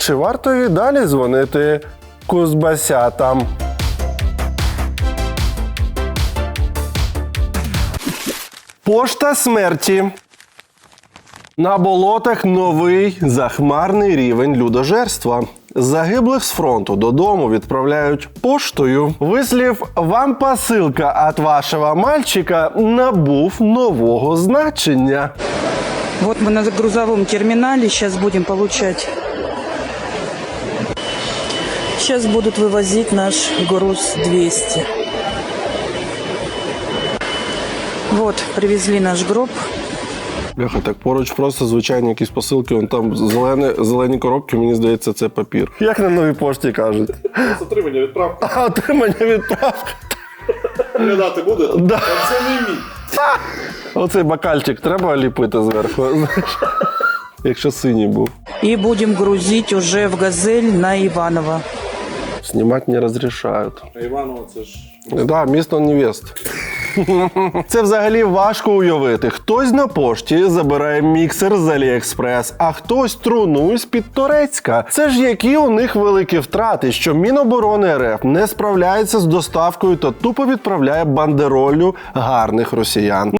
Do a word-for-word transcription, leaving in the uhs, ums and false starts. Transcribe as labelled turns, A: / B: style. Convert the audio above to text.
A: Чи варто і далі дзвонити кузбасятам? Пошта смерті. На болотах новий захмарний рівень людожерства. Загиблих з фронту додому відправляють поштою. Вислів «Вам посилка від вашого мальчика» набув нового значення.
B: Вот мы на грузовом терминале, сейчас будем получать. Сейчас будут вывозить наш груз двести. Вот, привезли наш гроб.
A: Бляха, так поруч просто звичайні якісь посилки, вон там зелені, зелені коробки, мені здається, це папір. Як на новій пошті кажуть?
C: З отримання відправки.
A: А, отримання відправки.
C: Глядати буде?
A: Да.
C: А це не мій.
A: Оцей бокальчик треба ліпити зверху, знаєш, якщо синій був.
B: И будем грузить уже в «Газель» на Иваново.
A: Знімати не розрішають.
C: А Іваново це ж...
A: Так, да, місто невест. Це взагалі важко уявити. Хтось на пошті забирає міксер з Аліекспрес, а хтось труну з-під Торецька. Це ж які у них великі втрати, що Міноборони РФ не справляється з доставкою та тупо відправляє бандероллю гарних росіян.